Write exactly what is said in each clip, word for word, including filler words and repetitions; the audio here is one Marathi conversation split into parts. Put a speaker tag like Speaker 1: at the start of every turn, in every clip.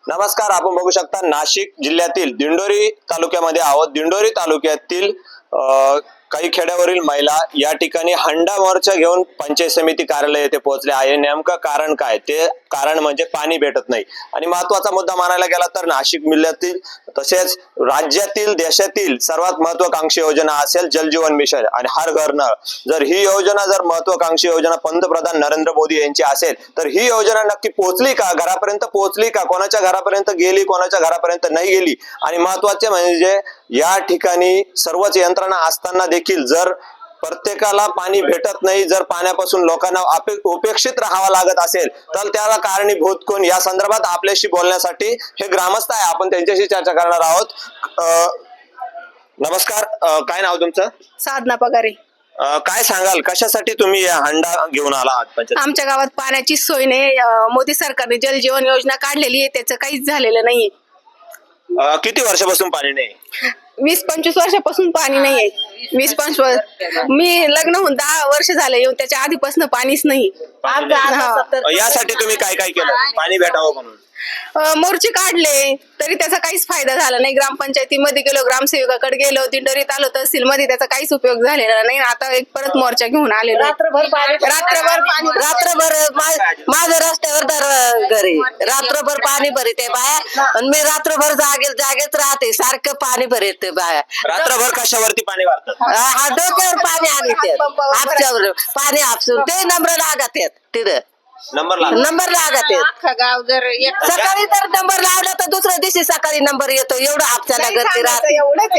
Speaker 1: नमस्कार, आपण बघू शकता नाशिक जिल्ह्यातील दिंडोरी तालुक्यामध्ये आहोत. दिंडोरी तालुक्यातील अ, काही खेड्यावरील महिला या ठिकाणी हंडा मोर्चा घेऊन पंचायत समिती कार्यालय येथे पोहोचले आहे. नेमकं कारण काय? ते कारण म्हणजे पाणी भेटत नाही. आणि महत्वाचा मुद्दा मानायला गेला तर नाशिक जिल्ह्यातील तसेच राज्यातील देशातील सर्वात महत्वाकांक्षी योजना असेल जल जीवन मिशन आणि हर घर नळ. जर ही योजना जर महत्वाकांक्षी योजना पंतप्रधान नरेंद्र मोदी यांची असेल तर ही योजना नक्की पोहोचली का? घरापर्यंत पोहोचली का? कोणाच्या घरापर्यंत गेली, कोणाच्या घरापर्यंत नाही गेली? आणि महत्वाचे म्हणजे या ठिकाणी सर्वच यंत्रणा असताना देखील जर प्रत्येकाला पाणी भेटत नाही, जर पाण्यापासून लोकांना उपेक्षित राहावं लागत असेल तर त्याला कारणीभूत कोण? या संदर्भात आपल्याशी बोलण्यासाठी हे ग्रामस्थ आहे, आपण त्यांच्याशी चर्चा करणार आहोत. नमस्कार, काय नाव तुमचं?
Speaker 2: साधना पगारे.
Speaker 1: काय सांगाल, कशासाठी तुम्ही हंडा घेऊन आला आहात?
Speaker 2: आमच्या गावात पाण्याची सोय नाही. मोदी सरकारने जल जीवन योजना काढलेली आहे, त्याचं काहीच झालेलं नाहीये.
Speaker 1: किती वर्षापासून पाणी नाही?
Speaker 2: वीस पंचवीस वर्षापासून पाणी नाहीये. वीस पंचवीस मी लग्न होऊन दहा वर्ष झाले येऊन, त्याच्या आधीपासून पाणीच नाही.
Speaker 1: यासाठी तुम्ही काय काय केलं पाणी भेटावं म्हणून?
Speaker 2: मोर्चे काढले तरी त्याचा काहीच फायदा झाला नाही. ग्रामपंचायतीमध्ये गेलो, ग्रामसेवकाकडे गेलो, दिंडोरी तालुका तहसील मध्ये त्याचा काहीच उपयोग झालेला नाही. आता एक परत मोर्चा घेऊन आलेलो.
Speaker 3: रात्रभर पाणी
Speaker 2: रात्रभर पाणी
Speaker 3: रात्रभर माझं रस्त्यावर तर घरी रात्रभर पाणी भरीत आहे बाया, आणि मी रात्रभर जागे जागेत राहते, सारखं पाणी भरीत बाया.
Speaker 1: रात्रभर कशावरती पाणी वाढतात?
Speaker 3: हा, डोक्यावर पाणी आणते, हापच्यावर पाणी हापसून ते नंबर लागत आहेत तिथं.
Speaker 1: नंबर लाग
Speaker 3: नंबर लागत आहेत.
Speaker 2: गाव जर
Speaker 3: सकाळी तर नंबर लावला तर दुसऱ्या दिवशी सकाळी नंबर येतो. एवढं हापच्याला घरती राहते.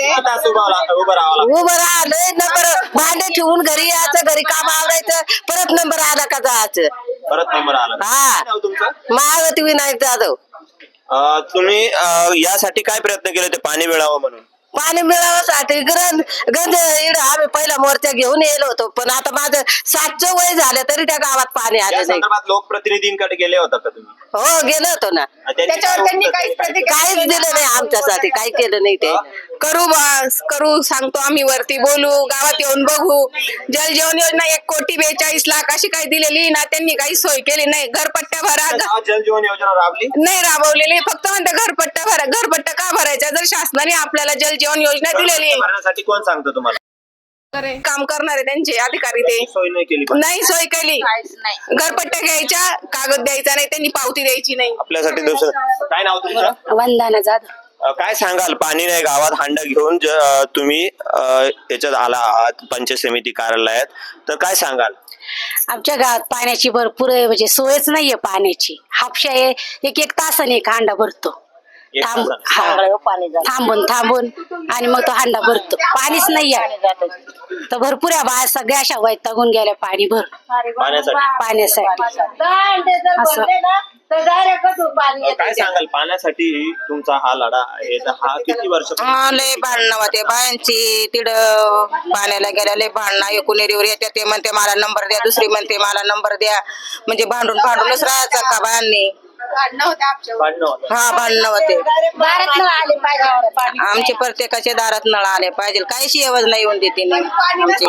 Speaker 3: उभं राहिलंय नंबर, भांडे ठेवून घरी यायचं, घरी काम आवडायचं, परत नंबर आला का जायचं.
Speaker 1: परत नंबर आला.
Speaker 3: हा, महावती विनायक जाधव.
Speaker 1: तुम्ही यासाठी काय प्रयत्न केले ते पाणी मिळावं म्हणून?
Speaker 3: पाणी मिळावसाठी गरज गंज इकडं आम्ही पहिला मोर्चा घेऊन येलो होतो, पण आता माझं सातचं वय झालं तरी त्या गावात पाणी आलं नाही.
Speaker 1: लोकप्रतिनिधींकडे गेले होता का तुम्ही?
Speaker 3: हो, गेलो होतो ना.
Speaker 2: त्याच्यावर त्यांनी काहीच प्रतिक्रिया
Speaker 3: काहीच दिलं नाही आमच्यासाठी, काही केलं नाही ते.
Speaker 2: करू बस करू सांगतो आम्ही, वरती बोलू, गावात येऊन बघू. जल जीवन योजना एक कोटी बेचाळीस लाख अशी काही दिलेली ना, त्यांनी काही सोय केली नाही. घरपट्ट्या भरा,
Speaker 1: जल जीवन योजना राबली
Speaker 2: नाही राबवलेली. फक्त म्हणते घरपट्ट्या भरा. घरपट्ट्या का भरायचा जर शासनाने आपल्याला जल जीवन योजना दिलेली आहे?
Speaker 1: भरण्यासाठी कोण सांगतो तुम्हाला?
Speaker 2: काम करणारे त्यांचे अधिकारी ते
Speaker 1: सोय नाही केली.
Speaker 2: नाही सोय केली. घरपट्ट्या घ्यायच्या, कागद द्यायचा नाही, त्यांनी पावती द्यायची नाही.
Speaker 1: आपल्यासाठी दुसरं काय नाव तुमचं?
Speaker 3: वंदना जाधव.
Speaker 1: काय सांगाल, पाणी नाही गावात, हांडा घेऊन तुम्ही याच्यात आला आहात पंचायत समिती कार्यालयात, तर काय सांगाल?
Speaker 4: आमच्या गावात पाण्याची भरपूर म्हणजे सोयच नाहीये पाण्याची. हापशा एक एक तासाने एक हांडा भरतो, थांब हा थांबून थांबून आणि मग तो हांडा भरतो. पाणीच नाहीये तर भरपूर आहे बाया सगळ्या अशा वैतागून गेल्या पाणी भर पाण्यासाठी. असं
Speaker 1: काय सांगाल, पाण्यासाठी तुमचा हा लढा आहे, तर हा किती वर्ष?
Speaker 5: लय भांडणं होते बायांची तिड पाण्याला गेल्या, लय भांडणं. एकूण एरीवर येते, ते म्हणते मला नंबर द्या, दुसरी म्हणते मला नंबर द्या, म्हणजे भांडून भांडूनच राहायचं का बायांनी. हा, भांडणं होते. आमचे प्रत्येकाच्या दारात नळ आले पाहिजे, काही शिवज नाही येऊन देते नाहीच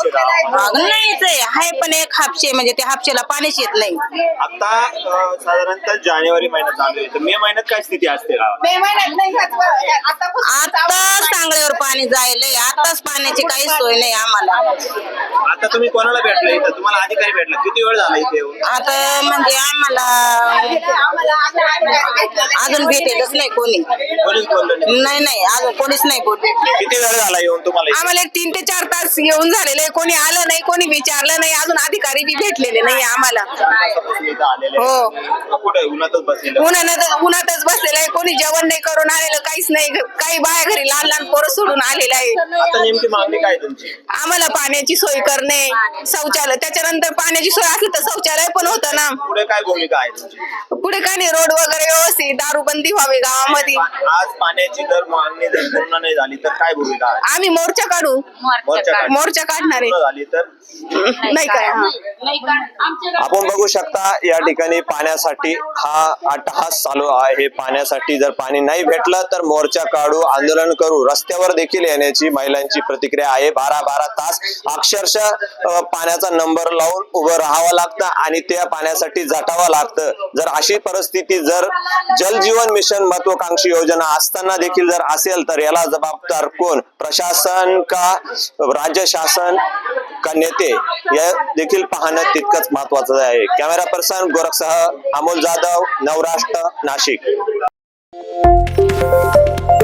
Speaker 5: आहे. पण एक हापशे म्हणजे त्या हापशेला पाणीच येत नाही.
Speaker 1: आता साधारणतः जानेवारी महिन्यात चालू आहे, तर मे महिन्यात काय स्थिती असते गावात?
Speaker 5: आता चांगल्यावर पाणी जायलंय, आताच पाण्याची काही सोय नाही आम्हाला.
Speaker 1: आता तुम्ही कोणाला भेटला इथं? तुम्हाला अधिकारी भेटला? किती वेळ झाला इथे येऊन?
Speaker 5: आता म्हणजे आम्हाला अजून भेटेलच नाही कोणी.
Speaker 1: कोणीच बोललं नाही?
Speaker 5: नाही नाही, अजून कोणीच नाही बोलले.
Speaker 1: किती वेळ झाला येऊन तुम्हाला इथे?
Speaker 2: आम्हाला एक तीन ते चार तास येऊन झालेले, कोणी आलं नाही, कोणी विचारलं नाही, अजून अधिकारी बी भेटलेले नाही आम्हाला.
Speaker 1: इथं आलेले
Speaker 2: हो,
Speaker 1: आहेत. कुठे उन्हातच बसलेले?
Speaker 2: उन्हात उन्हातच बसलेलं आहे. कोणी जेवण नाही करून आलेलं, काहीच नाही. काही बाया घरी लहान लहान पोरं सोडून आलेलं आहे.
Speaker 1: आता नेमकी मागणी काय तुमची?
Speaker 2: आम्हाला पाण्याची सोय करणे, शौचालय, त्याच्यानंतर पाण्याची सोय असली तर शौचालय पण होतं ना.
Speaker 1: पुढे काय भूमिका आहे तुमची?
Speaker 2: पुढे काय नाही, रोड वगैरे व्यवस्थित, दारूबंदी व्हावी गावामध्ये.
Speaker 1: आज पाण्याची जर मागणी जर पूर्ण नाही झाली तर काय भूमिका आहे?
Speaker 2: आम्ही मोर्चा काढू,
Speaker 1: मोर्चा काढ-
Speaker 2: मोर्चा काढणार
Speaker 1: पूर्ण झाली तर
Speaker 2: नाही काय.
Speaker 1: आपण बघू शकता या ठिकाणी पाण्यासाठी हा अट्टहास चालू आहे. पाण्यासाठी जर पाणी नाही भेटलं तर मोर्चा काढू, आंदोलन करू, रस्त्यावर देखील येण्याची महिलांची प्रतिक्रिया आहे. बारा बारा तास अक्षरशः पाण्याचा नंबर लावून उभं राहावं लागतं आणि त्या पाण्यासाठी झटावं लागतं. जर अशी परिस्थिती जर जल जीवन मिशन महत्वाकांक्षी योजना असताना देखील जर असेल तर याला जबाबदार कोण, प्रशासन का राज्य शासन का नेते, या देखील पाहणं तितकंच महत्वाचं आहे. कॅमेरा पर्सन गोरखसह अमोल जाधव, नवराष्ट्र, नाशिक.